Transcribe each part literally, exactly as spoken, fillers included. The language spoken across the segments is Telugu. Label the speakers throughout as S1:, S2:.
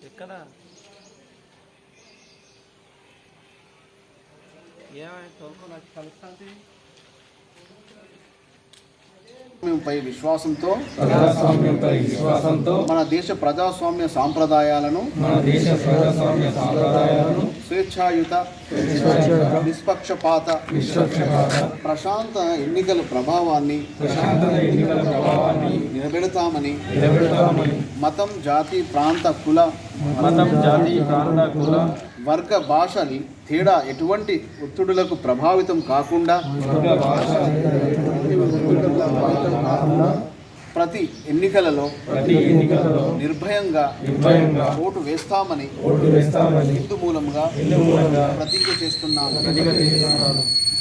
S1: ఎక్కడ ఏమైనా తోలుకో నాకు కలుస్తాంటి
S2: పై విశ్వాసంతో
S3: ప్రజాస్వామ్యంపై విశ్వాసంతో
S2: మన దేశ ప్రజాస్వామ్య సాంప్రదాయాలను
S3: మన దేశ ప్రజాస్వామ్య సాంప్రదాయాలను
S2: స్వేచ్ఛాయుత నిష్పక్షపాత
S3: నిష్పక్షపాత
S2: ప్రశాంత ఎన్నికల ప్రభావాన్ని
S3: ప్రశాంతత ఎన్నికల ప్రభావాన్ని
S2: నిలబెడతామని
S3: నిలబెడతామని
S2: మతం జాతి ప్రాంత కుల
S1: మతం జాతి ప్రాంత కుల
S2: వర్గ భాషని తేడా ఎటువంటి ఒత్తిడులకు ప్రభావితం కాకుండా
S3: వర్గ భాష
S2: ప్రతి ఎన్నికలలో
S3: ప్రతి ఎన్నికలలో
S2: నిర్భయంగా
S3: నిర్భయంగా
S2: ఓటు వేస్తామని
S3: ఓటు వేస్తామని
S2: హిందూ మూలంగా
S3: హిందూ మూలంగా
S2: ప్రతిజ్ఞ చేస్తున్నాము.
S3: ప్రతిజ్ఞ చేస్తున్నాను.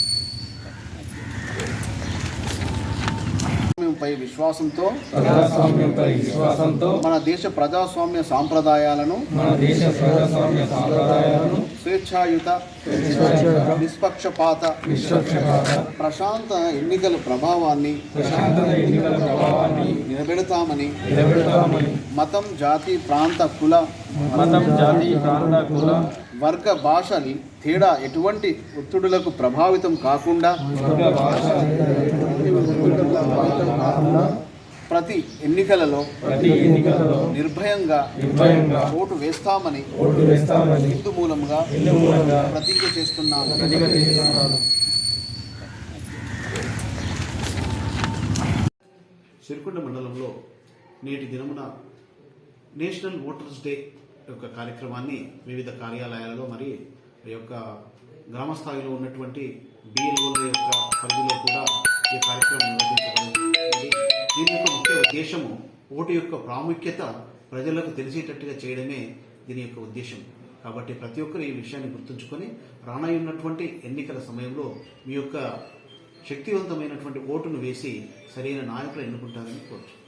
S2: పై విశ్వాసంతో
S3: ప్రజాస్వామ్యంపై విశ్వాసంతో
S2: మన దేశ ప్రజాస్వామ్య సాంప్రదాయాలను
S3: మన దేశ ప్రజాస్వామ్య సాంప్రదాయాలను
S2: స్వేచ్ఛాయుత నిష్పక్షపాత
S3: నిష్పక్షపాత
S2: ప్రశాంత ఎన్నికల ప్రభావాన్ని
S3: ప్రశాంతత ఎన్నికల ప్రభావాన్ని
S2: నిలబెడతామని
S3: నిలబెడతామని
S2: మతం జాతి ప్రాంత కుల
S1: మతం జాతి ప్రాంత కుల
S2: వర్గ భాషని తేడా ఎటువంటి ఒత్తిడులకు ప్రభావితం కాకుండా
S3: వర్గ భాష
S2: ప్రతి ఎన్నికలలో
S3: ప్రతి ఎన్నికలలో
S2: నిర్భయంగా
S3: నిర్భయంగా
S2: ఓటు వేస్తామని
S3: ఓటు వేస్తామని
S2: హిందూ మూలంగా
S3: హిందూ మూలంగా
S2: ప్రతిజ్ఞ చేస్తున్నాము.
S3: ప్రతిజ్ఞ చేస్తున్నాను.
S2: సిరికొండ మండలంలో నేటి దినమున నేషనల్ ఓటర్స్ డే యొక్క కార్యక్రమాన్ని వివిధ కార్యాలయాలలో మరి ఈ యొక్క గ్రామ స్థాయిలో ఉన్నటువంటి బిఎల్ఓల యొక్క పరిధిలో కూడా ఈ కార్యక్రమం నిర్వహించబడింది. దీని యొక్క ముఖ్య ఉద్దేశము ఓటు యొక్క ప్రాముఖ్యత ప్రజలకు తెలిసేటట్టుగా చేయడమే దీని యొక్క ఉద్దేశం. కాబట్టి ప్రతి ఒక్కరు ఈ విషయాన్ని గుర్తుంచుకొని రానున్నటువంటి ఎన్నికల సమయంలో మీ యొక్క శక్తివంతమైనటువంటి ఓటును వేసి సరైన నాయకులు ఎన్నుకుంటారని కోరుచు.